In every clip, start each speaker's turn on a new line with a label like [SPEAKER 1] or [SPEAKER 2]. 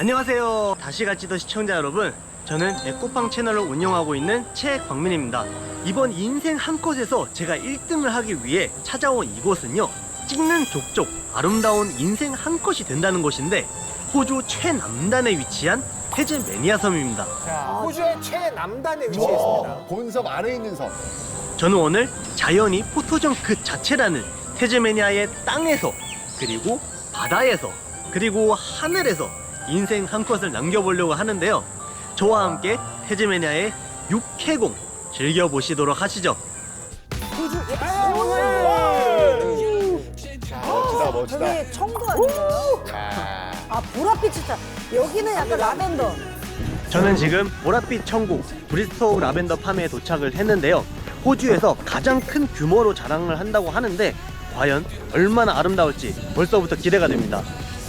[SPEAKER 1] 안녕하세요. 다시 갈지도 시청자 여러분, 저는 에코팡 채널을 운영하고 있는 최광민입니다. 이번 인생 한 컷에서 제가 1등을 하기 위해 찾아온 이곳은요, 찍는 족족 아름다운 인생 한 컷이 된다는 곳인데, 호주 최남단에 위치한 태즈메니아 섬입니다.
[SPEAKER 2] 자, 호주의 최남단에 위치해 있습니다.
[SPEAKER 3] 본섬 안에 있는 섬.
[SPEAKER 1] 저는 오늘 자연이 포토존 그 자체라는 태즈메니아의 땅에서, 그리고 바다에서, 그리고 하늘에서 인생 한 컷을 남겨보려고 하는데요. 저와 함께 태즈메니아의 육해공 즐겨보시도록 하시죠.
[SPEAKER 3] 멋지다, 멋지다.
[SPEAKER 4] 저기 청도 아닌가요? 아, 보랏빛이 차. 여기는 약간 라벤더.
[SPEAKER 1] 저는 지금 보랏빛 천국 브리스토우 라벤더 팜에 도착을 했는데요. 호주에서 가장 큰 규모로 자랑을 한다고 하는데, 과연 얼마나 아름다울지 벌써부터 기대가 됩니다.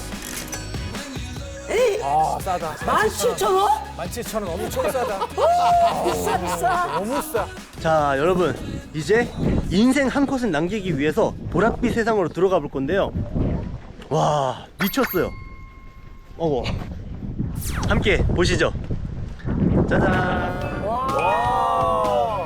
[SPEAKER 2] 아, 싸다.
[SPEAKER 4] 17,000원?
[SPEAKER 2] 17,000원 엄청 싸다.
[SPEAKER 4] 비싸, 비싸.
[SPEAKER 2] 너무 싸.
[SPEAKER 1] 자, 여러분, 이제 인생 한 컷을 남기기 위해서 보랏빛 세상으로 들어가 볼 건데요. 와, 미쳤어요. 어머, 함께 보시죠. 짜잔.
[SPEAKER 4] 와.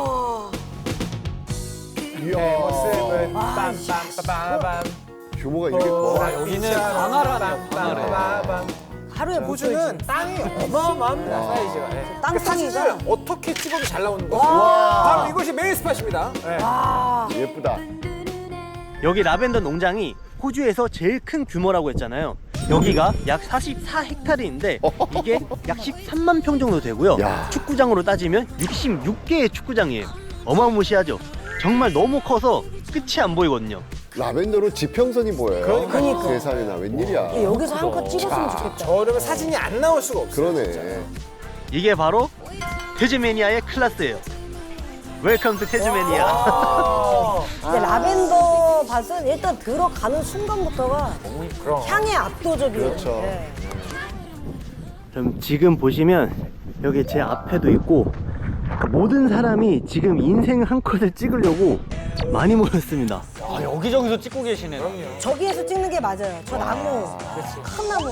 [SPEAKER 3] 이야.
[SPEAKER 2] 모습은 빰빰빰빰빰.
[SPEAKER 3] 규모가 이렇게 커.
[SPEAKER 2] 여기는 광활하다. 광활해.
[SPEAKER 4] 하루에
[SPEAKER 2] 호주는 땅이 어마어마합니다, 사이즈가. 네.
[SPEAKER 4] 땅
[SPEAKER 2] 사진을
[SPEAKER 4] 사이즈가.
[SPEAKER 2] 어떻게 찍어도 잘 나오는 거.
[SPEAKER 4] 와.
[SPEAKER 2] 바로 이것이 메인 스팟입니다. 네.
[SPEAKER 4] 아,
[SPEAKER 3] 예쁘다.
[SPEAKER 1] 여기 라벤더 농장이 호주에서 제일 큰 규모라고 했잖아요. 여기가 약 44헥타르인데 이게 약 13만 평 정도 되고요.
[SPEAKER 3] 야.
[SPEAKER 1] 축구장으로 따지면 66개의 축구장이에요. 어마무시하죠. 정말 너무 커서 끝이 안 보이거든요.
[SPEAKER 3] 라벤더로 지평선이 보여요.
[SPEAKER 4] 그러니까.
[SPEAKER 3] 세상에나 웬일이야.
[SPEAKER 4] 여기서 한 컷 찍었으면 좋겠다.
[SPEAKER 2] 저러면 사진이 안 나올 수가 없어요.
[SPEAKER 3] 그러네.
[SPEAKER 1] 이게 바로 태즈메니아의 클래스예요. 웰컴 투 태즈메니아.
[SPEAKER 4] 근데 라벤더 밭은 일단 들어가는 순간부터가
[SPEAKER 2] 그럼.
[SPEAKER 4] 향이 압도적이에요.
[SPEAKER 3] 그렇죠.
[SPEAKER 4] 네.
[SPEAKER 1] 그럼 지금 보시면 여기 제 앞에도 있고, 모든 사람이 지금 인생 한 컷을 찍으려고 많이 모였습니다.
[SPEAKER 5] 아, 여기저기서 찍고 계시네.
[SPEAKER 2] 그럼요.
[SPEAKER 4] 저기에서 찍는 게 맞아요. 저 나무, 큰 나무.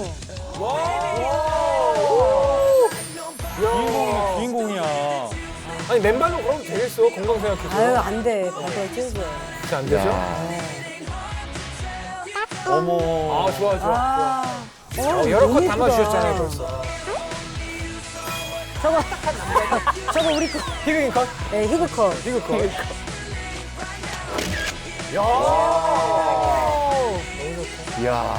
[SPEAKER 5] 주인공이야.
[SPEAKER 2] 아니, 맨발로 걸어도 되겠어, 건강 생각해서.
[SPEAKER 4] 아유, 안 돼. 바다에 찍어요.
[SPEAKER 2] 진짜 안 되죠?
[SPEAKER 5] 어머.
[SPEAKER 2] 아, 좋아, 좋아.
[SPEAKER 4] 아,
[SPEAKER 2] 여러
[SPEAKER 4] 너무
[SPEAKER 2] 컷
[SPEAKER 4] 예쁘다.
[SPEAKER 2] 담아주셨잖아요, 벌써.
[SPEAKER 4] 저거 딱한 남자. 저거 우리 거.
[SPEAKER 2] 희극인 컷?
[SPEAKER 4] 네, 히그컷.
[SPEAKER 2] 희극 컷.
[SPEAKER 3] 이야.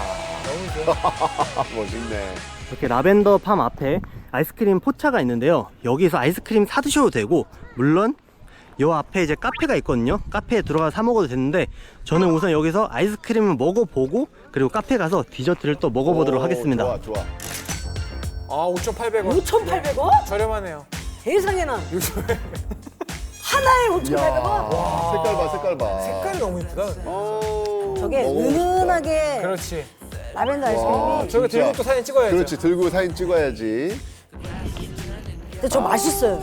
[SPEAKER 3] 멋있네.
[SPEAKER 1] 이렇게 라벤더 팜 앞에 아이스크림 포차가 있는데요. 여기서 아이스크림 사 드셔도 되고, 물론 요 앞에 이제 카페가 있거든요. 카페에 들어가서 사 먹어도 되는데, 저는 우선 여기서 아이스크림을 먹어보고, 그리고 카페 가서 디저트를 또 먹어보도록
[SPEAKER 3] 오,
[SPEAKER 1] 하겠습니다.
[SPEAKER 3] 좋아, 좋아.
[SPEAKER 2] 아, 5,800원.
[SPEAKER 4] 5,800원?
[SPEAKER 2] 저렴하네요.
[SPEAKER 4] 세상에나.
[SPEAKER 2] 요즘에
[SPEAKER 4] 하나에
[SPEAKER 3] 이야.
[SPEAKER 4] 5,800원?
[SPEAKER 3] 색깔 봐, 색깔 봐.
[SPEAKER 2] 색깔이 너무 이쁘다.
[SPEAKER 4] 저게
[SPEAKER 3] 너무 멋있다.
[SPEAKER 4] 은은하게
[SPEAKER 2] 그렇지.
[SPEAKER 4] 라벤더
[SPEAKER 3] 와,
[SPEAKER 4] 아이스크림이.
[SPEAKER 2] 저거
[SPEAKER 3] 진짜.
[SPEAKER 2] 들고 또 사진 찍어야죠.
[SPEAKER 3] 그렇지, 들고 사진 찍어야지.
[SPEAKER 4] 근데 저 맛있어요.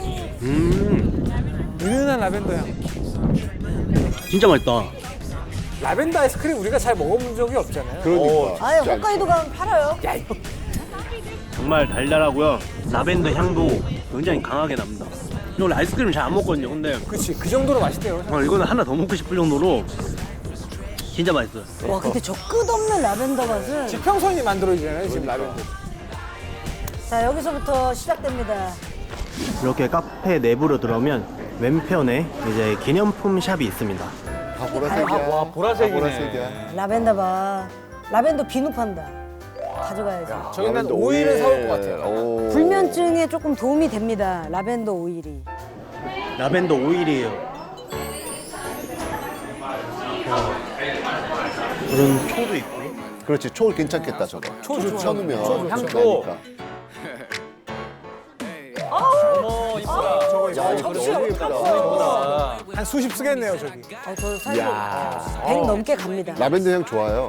[SPEAKER 2] 은은한 라벤더 향.
[SPEAKER 1] 진짜 맛있다.
[SPEAKER 2] 라벤더 아이스크림 우리가 잘 먹어본 적이 없잖아요.
[SPEAKER 3] 그러니까.
[SPEAKER 4] 아예
[SPEAKER 3] 진짜
[SPEAKER 4] 홋카이도 가면 팔아요.
[SPEAKER 1] 정말 달달하고요. 라벤더 향도 굉장히 강하게 납니다. 이거 원래 아이스크림 잘 안 먹거든요. 근데
[SPEAKER 2] 그렇지. 그 정도로 맛있대요.
[SPEAKER 1] 이거는 하나 더 먹고 싶을 정도로 진짜 맛있어요.
[SPEAKER 4] 와, 근데 저 끝없는 라벤더 맛은.
[SPEAKER 2] 지평선이 만들어지잖아요, 지금 라벤더.
[SPEAKER 4] 자, 여기서부터 시작됩니다.
[SPEAKER 1] 이렇게 카페 내부로 들어오면 왼편에 이제 기념품 샵이 있습니다.
[SPEAKER 3] 다 보라색이야.
[SPEAKER 5] 와, 보라색이네.
[SPEAKER 3] 다 보라색이야.
[SPEAKER 4] 라벤더 봐. 라벤더 비누 판다. 가져가야지.
[SPEAKER 2] 저기 난
[SPEAKER 3] 라벤더
[SPEAKER 2] 오일을
[SPEAKER 3] 오일.
[SPEAKER 2] 사올 것 같아요.
[SPEAKER 3] 오.
[SPEAKER 4] 불면증에 조금 도움이 됩니다. 라벤더 오일이.
[SPEAKER 1] 라벤더 오일이에요. 이런 초도 있고.
[SPEAKER 3] 그렇지, 초 괜찮겠다, 저거.
[SPEAKER 2] 초 좋죠.
[SPEAKER 3] 쳐놓으면
[SPEAKER 5] 향도.
[SPEAKER 3] 나니까.
[SPEAKER 5] 어머, 이쁘다.
[SPEAKER 2] 저거
[SPEAKER 3] 야, 이거
[SPEAKER 4] 접시
[SPEAKER 3] 너무
[SPEAKER 4] 엄청
[SPEAKER 3] 예쁘다.
[SPEAKER 4] 커.
[SPEAKER 2] 한 수십 쓰겠네요, 저기.
[SPEAKER 4] 저 사실
[SPEAKER 3] 이야.
[SPEAKER 4] 100 넘게 갑니다.
[SPEAKER 3] 라벤더 향 좋아요.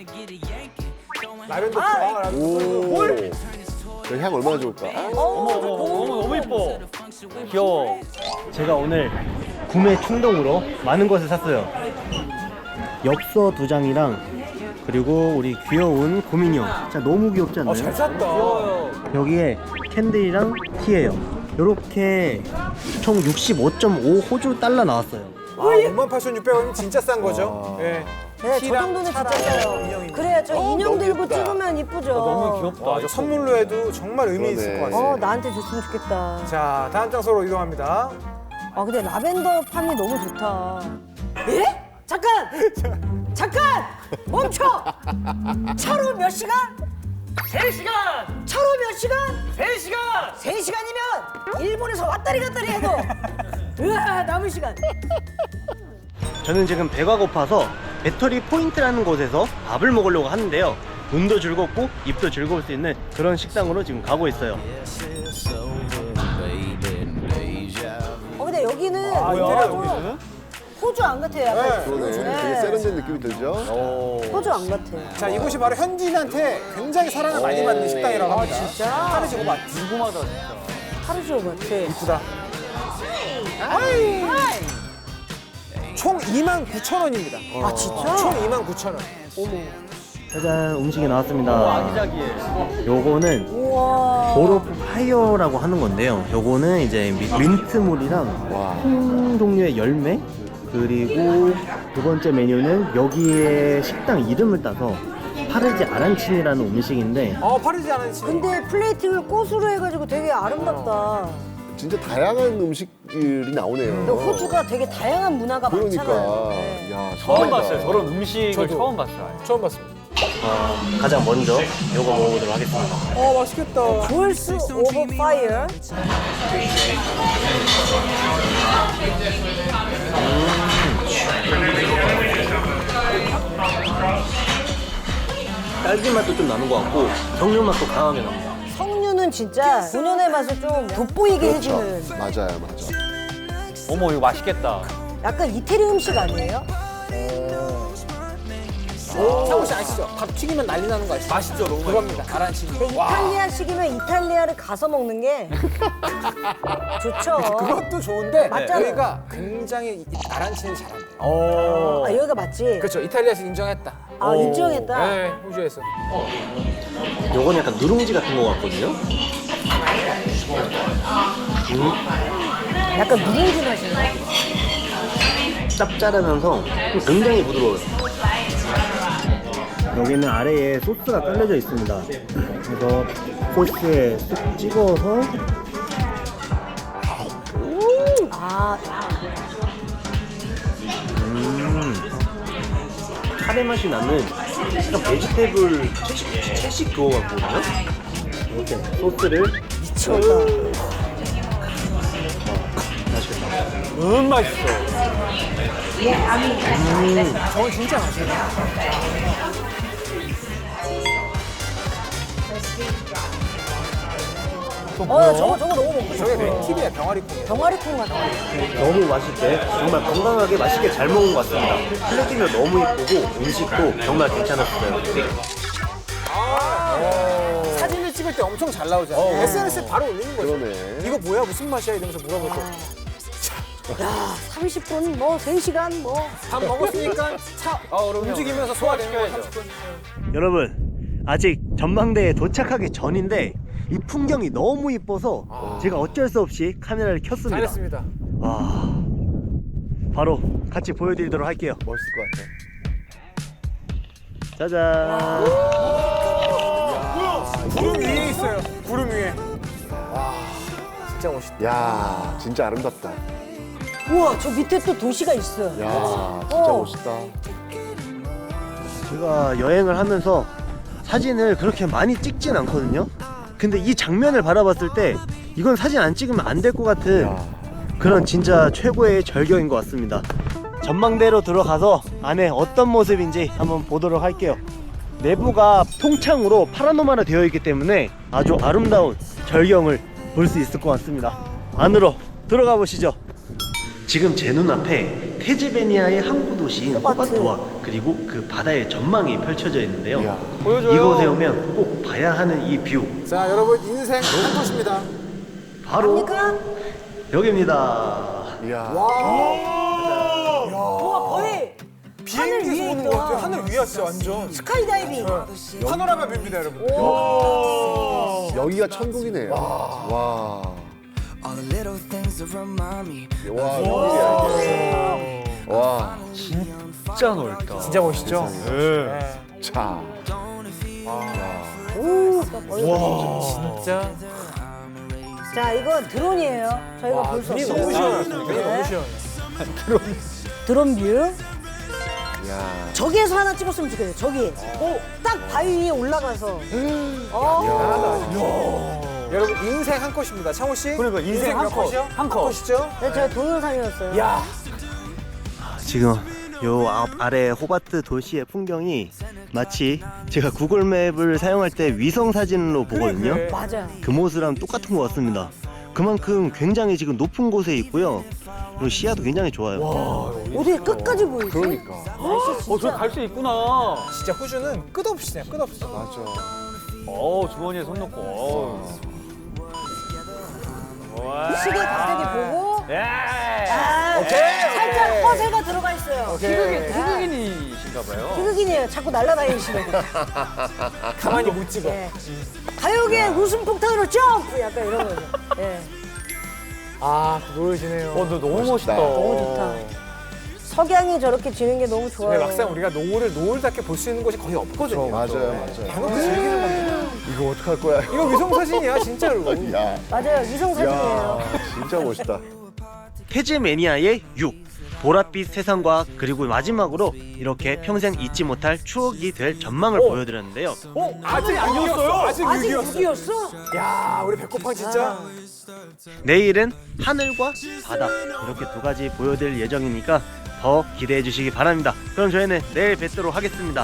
[SPEAKER 2] 라벤더. 아, 라벤더.
[SPEAKER 3] 오. 저 향 얼마나 좋을까?
[SPEAKER 5] 어머, 너무 이뻐. 귀여워.
[SPEAKER 1] 제가 오늘 구매 충동으로 많은 것을 샀어요. 엽서 2장이랑 그리고 우리 귀여운 고민형. 진짜 너무 귀엽지 않나요?
[SPEAKER 2] 잘 샀다.
[SPEAKER 1] 여기에 캔들이랑 티예요. 요렇게 총 65.5 호주 달러 나왔어요.
[SPEAKER 2] 58,600원이면 진짜 싼 거죠? 예.
[SPEAKER 4] 네, 저
[SPEAKER 2] 티랑
[SPEAKER 4] 정도는 진짜
[SPEAKER 2] 차랑
[SPEAKER 4] 싸요.
[SPEAKER 2] 인형이네.
[SPEAKER 4] 그래야 저 인형
[SPEAKER 3] 너무
[SPEAKER 4] 들고
[SPEAKER 3] 귀엽다.
[SPEAKER 4] 찍으면 이쁘죠.
[SPEAKER 5] 너무 귀엽다.
[SPEAKER 2] 저 선물로 해도 정말 의미 있을 것
[SPEAKER 3] 그러네.
[SPEAKER 2] 같아요.
[SPEAKER 4] 나한테 줬으면 좋겠다.
[SPEAKER 2] 자, 다음 장소로 이동합니다.
[SPEAKER 4] 근데 라벤더 팜이 너무 좋다. 예? 잠깐! 잠깐! 멈춰! 차로 몇 시간?
[SPEAKER 5] 3시간!
[SPEAKER 4] 차로 몇 시간?
[SPEAKER 5] 3시간!
[SPEAKER 4] 3시간이면 일본에서 왔다리 갔다리 해도 으아 남은 시간.
[SPEAKER 1] 저는 지금 배가 고파서 배터리 포인트라는 곳에서 밥을 먹으려고 하는데요. 눈도 즐겁고 입도 즐거울 수 있는 그런 식당으로 지금 가고 있어요.
[SPEAKER 4] 근데 여기는
[SPEAKER 2] 뭐야,
[SPEAKER 4] 좀
[SPEAKER 2] 여기는?
[SPEAKER 4] 호주 안 같아요. 약간.
[SPEAKER 3] 그러네.
[SPEAKER 4] 네.
[SPEAKER 3] 되게 세련된 느낌이 들죠?
[SPEAKER 4] 호주 안 같아.
[SPEAKER 2] 자, 이곳이 바로 현지인한테 굉장히 사랑을 많이 받는 식당이라고 합니다.
[SPEAKER 4] 진짜?
[SPEAKER 2] 카르지고 맛.
[SPEAKER 5] 궁금하다 진짜.
[SPEAKER 4] 하루지오 같아.
[SPEAKER 2] 이쁘다. 총 29,000원입니다.
[SPEAKER 4] 아 진짜?
[SPEAKER 2] 총 29,000원.
[SPEAKER 1] 짜잔, 음식이 나왔습니다.
[SPEAKER 5] 아기자기해.
[SPEAKER 1] 요거는
[SPEAKER 4] 우와.
[SPEAKER 1] 보로프 파이어라고 하는 건데요. 요거는 이제 민트물이랑
[SPEAKER 3] 와.
[SPEAKER 1] 종류의 열매, 그리고 두 번째 메뉴는 여기에 식당 이름을 따서 파르지 아란친이라는 음식인데
[SPEAKER 2] 파리지 않은 집.
[SPEAKER 4] 근데 플레이팅을 꽃으로 해가지고 되게 아름답다.
[SPEAKER 3] 진짜 다양한 음식들이 나오네요.
[SPEAKER 4] 근데 호주가 되게 다양한 문화가
[SPEAKER 3] 그러니까.
[SPEAKER 4] 많잖아요. 네.
[SPEAKER 3] 야,
[SPEAKER 5] 처음
[SPEAKER 3] 대박이다.
[SPEAKER 5] 봤어요. 저런 음식을
[SPEAKER 2] 저도.
[SPEAKER 5] 처음 봤어요.
[SPEAKER 2] 처음 봤습니다.
[SPEAKER 1] 가장 먼저 요거 먹어보도록 하겠습니다.
[SPEAKER 2] 맛있겠다.
[SPEAKER 4] Pulse over fire.
[SPEAKER 1] 딸기 맛도 좀 나는 것 같고 정육 맛도 강하게 납니다.
[SPEAKER 4] 석류는 진짜 본연의 맛을 좀 돋보이게
[SPEAKER 3] 그렇죠.
[SPEAKER 4] 해주는
[SPEAKER 3] 맞아요, 맞아.
[SPEAKER 5] 어머 이거 맛있겠다.
[SPEAKER 4] 약간 이태리 음식 아니에요?
[SPEAKER 2] 상우 씨 아시죠? 밥 튀기면 난리 나는 거 아시죠?
[SPEAKER 5] 맛있죠, 너무
[SPEAKER 2] 그겁니다. 아란치.
[SPEAKER 4] 근데 이탈리아식이면 이탈리아를 가서 먹는 게 좋죠.
[SPEAKER 2] 그것도 좋은데
[SPEAKER 4] 맞잖아요.
[SPEAKER 2] 여기가 굉장히 아란치는 잘한대요.
[SPEAKER 4] 아, 여기가 맞지?
[SPEAKER 2] 그렇죠. 이탈리아식 인정했다.
[SPEAKER 4] 아, 인정했다.
[SPEAKER 2] 네, 호주에서.
[SPEAKER 1] 요건 약간 누룽지 같은 거 같거든요.
[SPEAKER 4] 약간 누룽지 맛이네.
[SPEAKER 1] 짭짤하면서 굉장히 부드러워요. 여기는 아래에 소스가 깔려져 있습니다. 그래서 소스에 쑥 찍어서
[SPEAKER 4] 아,
[SPEAKER 1] 카레 맛이 나는 약간 베지테이블 채식 그거 같거든요. 이렇게 소스를
[SPEAKER 4] 미쳤다.
[SPEAKER 1] 맛있겠다.
[SPEAKER 5] 맛있어.
[SPEAKER 2] 저건 진짜 맛있어요.
[SPEAKER 4] 저거 너무 먹고
[SPEAKER 2] 저게
[SPEAKER 4] 싶어.
[SPEAKER 2] 렌틸이야, 병아리콩이야.
[SPEAKER 4] 병아리콩 같아.
[SPEAKER 1] 너무 맛있게 정말 건강하게 맛있게 잘 먹은 것 같습니다. 플레이팅도 너무 예쁘고 음식도 정말 괜찮았어요.
[SPEAKER 2] 사진을 찍을 때 엄청 잘 나오잖아요. SNS에 바로 올리는 거죠.
[SPEAKER 3] 그러네.
[SPEAKER 2] 이거 뭐야, 무슨 맛이야 이러면서 물어볼 때.
[SPEAKER 4] 야, 30분, 뭐 3시간, 뭐.
[SPEAKER 2] 밥 먹었으니까 차 움직이면서 소화되는 거 30분.
[SPEAKER 1] 여러분, 아직 전망대에 도착하기 전인데 이 풍경이 너무 이뻐서 제가 어쩔 수 없이 카메라를 켰습니다.
[SPEAKER 2] 잘했습니다.
[SPEAKER 1] 바로 같이 보여드리도록 할게요.
[SPEAKER 3] 멋있을 것 같아.
[SPEAKER 1] 짜잔.
[SPEAKER 2] 구름 위에 있어요. 구름 위에. 와, 진짜 멋있다.
[SPEAKER 3] 야, 진짜 아름답다.
[SPEAKER 4] 우와, 저 밑에 또 도시가 있어요.
[SPEAKER 3] 야, 진짜 멋있다.
[SPEAKER 1] 제가 여행을 하면서 사진을 그렇게 많이 찍진 않거든요. 근데 이 장면을 바라봤을 때 이건 사진 안 찍으면 안 될 것 같은
[SPEAKER 3] 야.
[SPEAKER 1] 그런 진짜 최고의 절경인 것 같습니다. 전망대로 들어가서 안에 어떤 모습인지 한번 보도록 할게요. 내부가 통창으로 파라노마로 되어 있기 때문에 아주 아름다운 절경을 볼 수 있을 것 같습니다. 안으로 들어가 보시죠. 지금 제 눈앞에 테즈베니아의 항구 도시인 호바트와 그리고 그 바다의 전망이 펼쳐져 있는데요.
[SPEAKER 3] 이야.
[SPEAKER 5] 보여줘요.
[SPEAKER 1] 이곳에 오면 꼭 봐야 하는 이 뷰,
[SPEAKER 2] 자, 여러분 인생 한 곳입니다.
[SPEAKER 1] 바로
[SPEAKER 4] 그러니까
[SPEAKER 1] 여기입니다.
[SPEAKER 3] 이야.
[SPEAKER 4] 우와, 거의
[SPEAKER 2] 비행기에서
[SPEAKER 4] 위에
[SPEAKER 2] 보는
[SPEAKER 4] 있다.
[SPEAKER 2] 것 같아요. 하늘 위야 진짜 완전.
[SPEAKER 4] 스카이다이빙.
[SPEAKER 2] 파노라마 뷰입니다 여러분.
[SPEAKER 3] 여기가 천국이네요. 와.
[SPEAKER 6] All the little things that remind me.
[SPEAKER 3] 와, 웬일이야, 이게. 와.
[SPEAKER 5] 진짜 넓다.
[SPEAKER 2] 진짜 멋있죠? 네.
[SPEAKER 3] 자.
[SPEAKER 4] 오, 딱 멀리.
[SPEAKER 2] 진짜.
[SPEAKER 4] 자, 이건 드론이에요. 저희가 볼 수
[SPEAKER 2] 눈이
[SPEAKER 4] 없어요.
[SPEAKER 2] 너무 시원해요. 눈이 너무 시원해.
[SPEAKER 4] 드론 뷰.
[SPEAKER 3] 야.
[SPEAKER 4] 저기에서 하나 찍었으면 좋겠어요. 저기. 딱 바위 위에 올라가서.
[SPEAKER 2] 여러분 인생 한 컷입니다. 창호 씨.
[SPEAKER 5] 그러니까 인생 한
[SPEAKER 2] 몇
[SPEAKER 5] 컷.
[SPEAKER 2] 컷이요?
[SPEAKER 5] 한 컷.
[SPEAKER 2] 컷이죠?
[SPEAKER 4] 네, 제가 동영상이었어요.
[SPEAKER 2] 야.
[SPEAKER 1] 지금 요 아래 호바트 도시의 풍경이 마치 제가 구글맵을 사용할 때 위성 사진으로 보거든요.
[SPEAKER 2] 그래.
[SPEAKER 4] 맞아요.
[SPEAKER 1] 그 모습이랑 똑같은 것 같습니다. 그만큼 굉장히 지금 높은 곳에 있고요. 그리고 시야도 굉장히 좋아요.
[SPEAKER 4] 어디 끝까지 보이지?
[SPEAKER 3] 그러니까.
[SPEAKER 4] 날씨
[SPEAKER 5] 저
[SPEAKER 4] 진짜.
[SPEAKER 5] 갈 수 있구나.
[SPEAKER 2] 진짜 호주는 끝없이 그냥 끝없이.
[SPEAKER 3] 맞아.
[SPEAKER 5] 주머니에 손 넣고. 와.
[SPEAKER 4] 시계 갑자기 보고.
[SPEAKER 5] 예.
[SPEAKER 4] 아, 살짝 허세가 들어가 있어요.
[SPEAKER 5] 희극인이신가 봐요.
[SPEAKER 4] 희극인이에요. 자꾸 날아다니시는 거.
[SPEAKER 2] 가만히 못 찍어.
[SPEAKER 4] 예. 가요계 웃음 폭탄으로 점프! 약간 이런 거죠. 예.
[SPEAKER 2] 아, 또 노래지네요.
[SPEAKER 5] 너 너무 멋있다.
[SPEAKER 4] 너무 좋다. 석양이 저렇게 지는 게 너무 좋아요.
[SPEAKER 2] 근데 막상 우리가 노을을 노을답게 볼 수 있는 곳이 거의 없거든요.
[SPEAKER 3] 맞아요.
[SPEAKER 2] 대놓고 즐기는 겁니다.
[SPEAKER 3] 이거 어떡할 거야?
[SPEAKER 2] 이거 위성 사진이야, 진짜로.
[SPEAKER 3] 야.
[SPEAKER 4] 맞아요. 위성 사진이에요.
[SPEAKER 3] 야. 진짜 멋있다.
[SPEAKER 1] 태즈매니아의 6 보랏빛 세상과 그리고 마지막으로 이렇게 평생 잊지 못할 추억이 될 전망을 보여드렸는데요.
[SPEAKER 2] 아직 6이었어요? 아직
[SPEAKER 4] 아직
[SPEAKER 2] 6이었어.
[SPEAKER 4] 6이었어?
[SPEAKER 2] 야, 우리 배꼽팡 진짜.
[SPEAKER 1] 내일은 하늘과 바다 이렇게 두 가지 보여드릴 예정이니까 더 기대해 주시기 바랍니다. 그럼 저희는 내일 뵙도록 하겠습니다.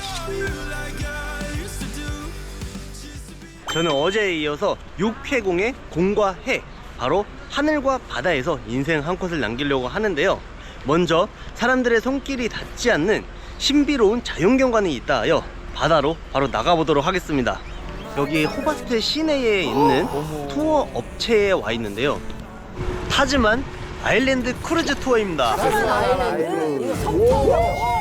[SPEAKER 1] 저는 어제에 이어서 6회공의 공과 해, 바로 하늘과 바다에서 인생 한 컷을 남기려고 하는데요. 먼저 사람들의 손길이 닿지 않는 신비로운 자연경관이 있다 하여 바다로 바로 나가보도록 하겠습니다. 여기 호바스트 시내에 있는 투어 업체에 와 있는데요. 타즈만 아일랜드 크루즈 투어입니다.
[SPEAKER 4] 아일랜드? 이거 성투어.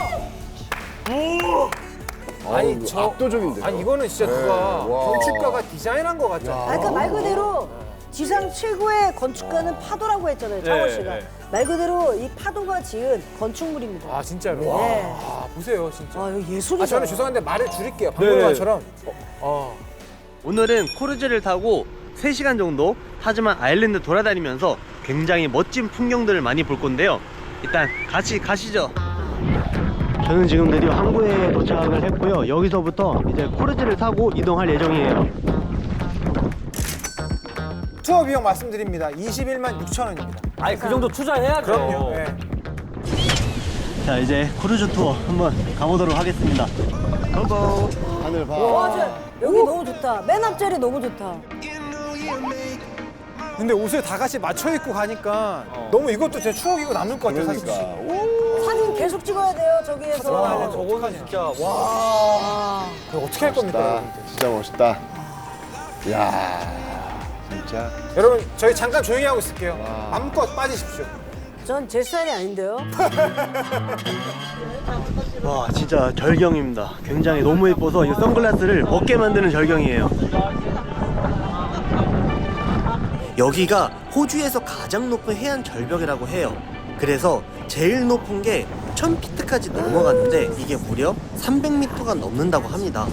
[SPEAKER 2] 아니,
[SPEAKER 3] 아우,
[SPEAKER 2] 저-
[SPEAKER 3] 압도적인데요.
[SPEAKER 2] 아니, 이거는 진짜 누가
[SPEAKER 3] 와.
[SPEAKER 2] 건축가가 디자인한 것 같잖아.
[SPEAKER 4] 그러니까 말 그대로 지상 최고의 건축가는 파도라고 했잖아요. 창호 씨가.
[SPEAKER 5] 네.
[SPEAKER 4] 말 그대로 이 파도가 지은 건축물입니다.
[SPEAKER 2] 아, 진짜로?
[SPEAKER 4] 네.
[SPEAKER 2] 아, 보세요, 진짜.
[SPEAKER 4] 아, 이거 예술이다.
[SPEAKER 2] 아, 저는 죄송한데 말을 줄일게요. 박물관처럼.
[SPEAKER 1] 오늘은 크루즈를 타고 3시간 정도 타즈만 아일랜드 돌아다니면서 굉장히 멋진 풍경들을 많이 볼 건데요. 일단 같이 가시죠. 저는 지금 드디어 항구에 도착을 했고요. 여기서부터 이제 크루즈를 타고 이동할 예정이에요.
[SPEAKER 2] 투어 비용 말씀드립니다. 21만 6천 원입니다.
[SPEAKER 5] 아니 그 정도 투자해야죠.
[SPEAKER 2] 그럼요. 네.
[SPEAKER 1] 자, 이제 크루즈 투어 한번 가보도록 하겠습니다. 고고.
[SPEAKER 3] 하늘 봐.
[SPEAKER 4] 와, 여기 너무 좋다. 맨 앞자리 너무 좋다.
[SPEAKER 2] 근데 옷을 다 같이 맞춰 입고 가니까 너무 이것도 제 추억이고 남을 것 같아요, 사실.
[SPEAKER 3] 그러니까.
[SPEAKER 4] 사진 계속 찍어야 돼요, 저기에서.
[SPEAKER 2] 와,
[SPEAKER 5] 저거는 진짜 와.
[SPEAKER 2] 와, 이거 어떻게 할 겁니까,
[SPEAKER 3] 멋있다.
[SPEAKER 2] 여러분들?
[SPEAKER 3] 진짜 멋있다. 야. 진짜.
[SPEAKER 2] 여러분, 저희 잠깐 조용히 하고 있을게요.
[SPEAKER 3] 와.
[SPEAKER 2] 마음껏 빠지십시오.
[SPEAKER 4] 전 제 스타일이 아닌데요.
[SPEAKER 1] 와, 진짜 절경입니다. 굉장히 너무 예뻐서 이 선글라스를 벗게 만드는 절경이에요. 여기가 호주에서 가장 높은 해안 절벽이라고 해요. 그래서 제일 높은 게 1000피트까지 넘어갔는데 이게 무려 300m가 넘는다고 합니다.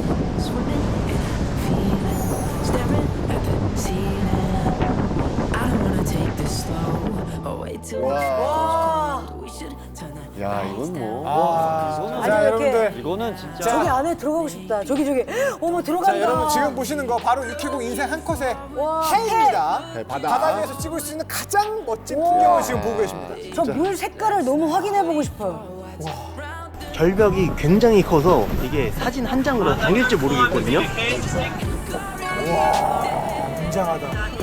[SPEAKER 3] 와. 야, 이건 뭐.
[SPEAKER 2] 자,
[SPEAKER 4] 아주
[SPEAKER 2] 여러분들.
[SPEAKER 5] 이거는 진짜
[SPEAKER 4] 저기 안에 들어가고 싶다. 저기. 어머, 들어간다.
[SPEAKER 2] 자, 여러분 지금 보시는 거 바로 유키공 인생 한 컷의
[SPEAKER 4] 와,
[SPEAKER 2] 해입니다.
[SPEAKER 3] 해, 바다.
[SPEAKER 2] 바다 위에서 찍을 수 있는 가장 멋진
[SPEAKER 4] 와.
[SPEAKER 2] 풍경을 지금 보고 계십니다.
[SPEAKER 4] 저 물 색깔을 너무 확인해보고 싶어요.
[SPEAKER 1] 절벽이 굉장히 커서 이게 사진 한 장으로 담길지 모르겠거든요.
[SPEAKER 2] 굉장하다.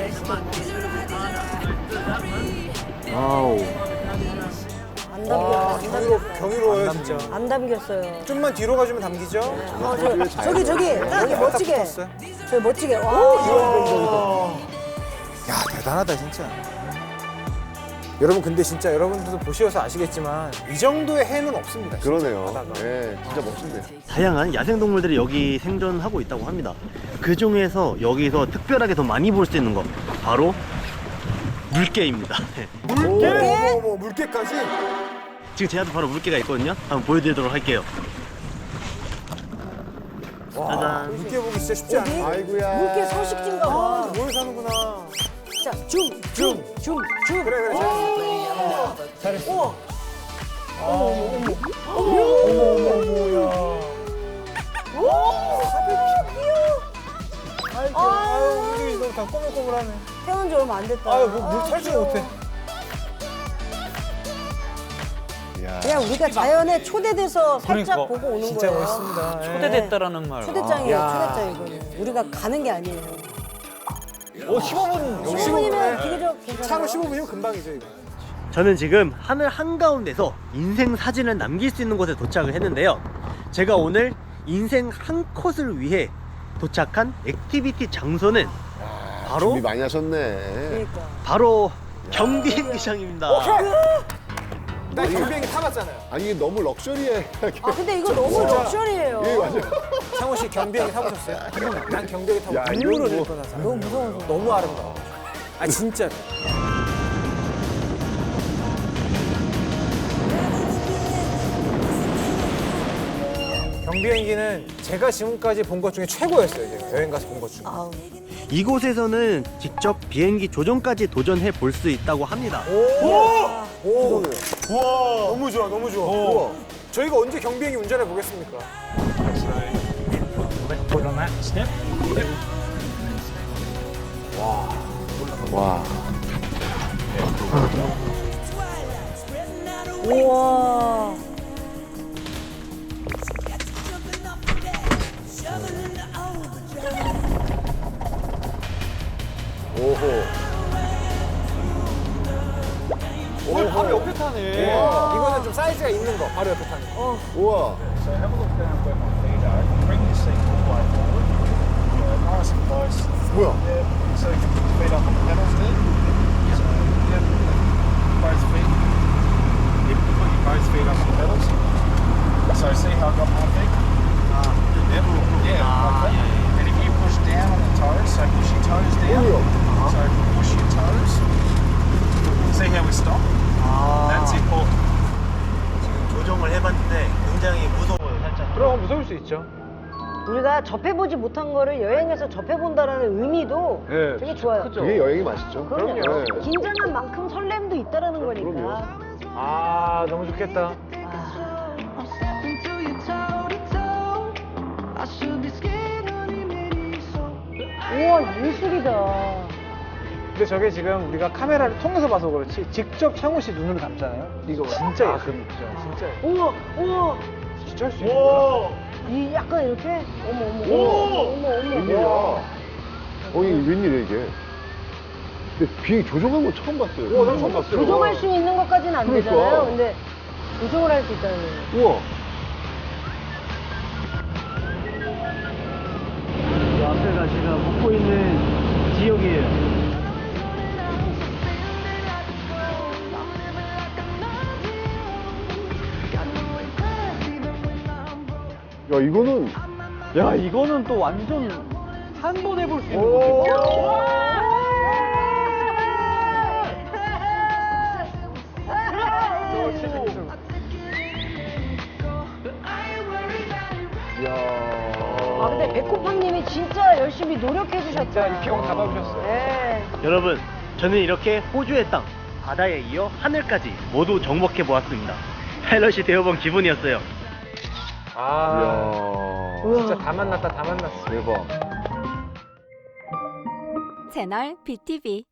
[SPEAKER 1] 와우.
[SPEAKER 4] 안
[SPEAKER 2] 와,
[SPEAKER 4] 담겼어요.
[SPEAKER 2] 경이로워요, 진짜.
[SPEAKER 4] 안 담겼어요.
[SPEAKER 2] 좀만 뒤로 가주면 담기죠?
[SPEAKER 4] 저기, 딱
[SPEAKER 2] 여기
[SPEAKER 4] 멋지게.
[SPEAKER 2] 딱 붙었어요.
[SPEAKER 4] 저기 멋지게. 와,
[SPEAKER 2] 야, 대단하다, 진짜. 여러분 근데 진짜 여러분들도 보셔서 아시겠지만 이 정도의 해는 없습니다. 진짜,
[SPEAKER 3] 그러네요.
[SPEAKER 2] 바다가.
[SPEAKER 3] 네, 진짜 멋진데요.
[SPEAKER 1] 다양한 야생동물들이 여기 생존하고 있다고 합니다. 그 중에서 여기서 특별하게 더 많이 볼 수 있는 거 바로 물개입니다.
[SPEAKER 2] 물개? 어머, 물개까지?
[SPEAKER 1] 지금 제 앞에 바로 물개가 있거든요. 한번 보여드리도록 할게요.
[SPEAKER 2] 와,
[SPEAKER 1] 짜잔.
[SPEAKER 2] 물개 보기 진짜 쉽지 않아.
[SPEAKER 3] 아이고야.
[SPEAKER 4] 물개 서식지인가 봐.
[SPEAKER 2] 뭘 사는구나.
[SPEAKER 4] 자, 줌.
[SPEAKER 2] 그래, 그래. 잘했어.
[SPEAKER 4] 우와.
[SPEAKER 2] 아유, 우리 너무 다 꼬물꼬물하네.
[SPEAKER 4] 태어난 지 얼마 안 됐다.
[SPEAKER 2] 아유, 물 탈줄 못해.
[SPEAKER 3] 야.
[SPEAKER 4] 그냥 우리가 자연에 초대돼서 살짝
[SPEAKER 5] 그러니까.
[SPEAKER 4] 보고 오는
[SPEAKER 2] 진짜
[SPEAKER 4] 거예요.
[SPEAKER 2] 멋있습니다. 예.
[SPEAKER 5] 초대됐다라는 말.
[SPEAKER 4] 초대장이에요,
[SPEAKER 2] 야.
[SPEAKER 4] 초대장 이거는. 우리가 가는 게 아니에요.
[SPEAKER 5] 오, 15분.
[SPEAKER 4] 15분이면 비교적 괜찮아요.
[SPEAKER 2] 차로 15분이면 금방이죠, 이거.
[SPEAKER 1] 저는 지금 하늘 한가운데서 인생 사진을 남길 수 있는 곳에 도착을 했는데요. 제가 오늘 인생 한 컷을 위해 도착한 액티비티 장소는 바로
[SPEAKER 3] 준비 많이 하셨네.
[SPEAKER 4] 그러니까.
[SPEAKER 1] 바로 경비행기장입니다.
[SPEAKER 2] 나 경비행기 타봤잖아요.
[SPEAKER 3] 아니 이게 너무 럭셔리해.
[SPEAKER 4] 아, 근데 이거 너무 럭셔리해요.
[SPEAKER 3] 예, 맞아요.
[SPEAKER 2] 창호 씨 경비행기 타보셨어요? 난 경비행기 타고
[SPEAKER 3] 야,
[SPEAKER 2] 눈물을
[SPEAKER 3] 이건
[SPEAKER 2] 흘릴
[SPEAKER 3] 뭐-
[SPEAKER 2] 뻔하잖아.
[SPEAKER 4] 너무 무서워서.
[SPEAKER 2] 너무 아름다워. 아, 진짜로. 경비행기는 제가 지금까지 본 것 중에 최고였어요. 제가 여행 가서 본 것 중에.
[SPEAKER 4] 아우.
[SPEAKER 1] 이곳에서는 직접 비행기 조종까지 도전해 볼 수 있다고 합니다.
[SPEAKER 2] 오! 우와! 너무 좋아, 너무 좋아. 우와. 저희가 언제 경비행기 운전해 보겠습니까?
[SPEAKER 3] 와.
[SPEAKER 4] 우와.
[SPEAKER 3] 오호.
[SPEAKER 5] 오, 바로 옆에 타네.
[SPEAKER 2] 이거는 좀 사이즈가 있는 거, 바로 옆에 타는 거.
[SPEAKER 3] 우와.
[SPEAKER 7] So have a look down where my feet are. Bring your seat all the way forward. Nice and close.
[SPEAKER 3] 뭐야?
[SPEAKER 7] Yeah. So you can put your feet up on the pedals there. So yeah, both feet. You can put your both feet up on the pedals. So see how I got my feet? Yep. Yeah. Like that. And if you push down on the toes, so push your toes down. So push your toes. See how we stop? That's important.
[SPEAKER 1] 지금 조종을 해봤는데 굉장히 무서워요, 살짝.
[SPEAKER 2] 그럼 무서울 수 있죠.
[SPEAKER 4] 우리가 접해보지 못한 거를 여행에서 접해본다라는 의미도
[SPEAKER 2] 네,
[SPEAKER 4] 되게 좋아요.
[SPEAKER 3] 이게 여행이 맛있죠.
[SPEAKER 4] 그럼요.
[SPEAKER 3] 네.
[SPEAKER 4] 긴장한 만큼 설렘도 있다라는 거니까.
[SPEAKER 3] 그럼요.
[SPEAKER 2] 아, 너무 좋겠다.
[SPEAKER 4] 우와, 예술이다.
[SPEAKER 2] 근데 저게 지금 우리가 카메라를 통해서 봐서 그렇지 직접 창호 씨 눈으로 담잖아요. 이거 진짜 예술이죠. 진짜
[SPEAKER 4] 우와, 우와.
[SPEAKER 2] 진짜 할 수 있는 거야?
[SPEAKER 4] 이 약간 이렇게? 어머, 어머,
[SPEAKER 3] 오!
[SPEAKER 4] 어머, 어머,
[SPEAKER 3] 웬일이야?
[SPEAKER 4] 어머.
[SPEAKER 3] 이게 웬일이야 이게? 근데 비행기 조종한 건 처음 봤어요.
[SPEAKER 2] 난 처음 봤어요.
[SPEAKER 4] 조종할 수 있는 것까지는 안
[SPEAKER 3] 그러니까.
[SPEAKER 4] 되잖아요. 근데 조종을 할 수 있다는 거예요.
[SPEAKER 3] 우와.
[SPEAKER 1] 이 앞에가 제가 묵고 있는 지역이에요.
[SPEAKER 3] 야 이거는
[SPEAKER 5] 야, 이거는 또 완전 한 번 해볼 수 있는 거지.
[SPEAKER 4] 아, 근데 백호팡님이 진짜 열심히 노력해 주셨다.
[SPEAKER 2] 진짜 이 경험 다 봐주셨어요.
[SPEAKER 4] 네.
[SPEAKER 1] 여러분, 저는 이렇게 호주의 땅, 바다에 이어 하늘까지 모두 정복해 보았습니다. 파일럿이 되어본 기분이었어요.
[SPEAKER 2] 아,
[SPEAKER 3] 이야.
[SPEAKER 2] 진짜 다 만났다, 다 만났어.
[SPEAKER 3] 대박.
[SPEAKER 8] 채널 BTV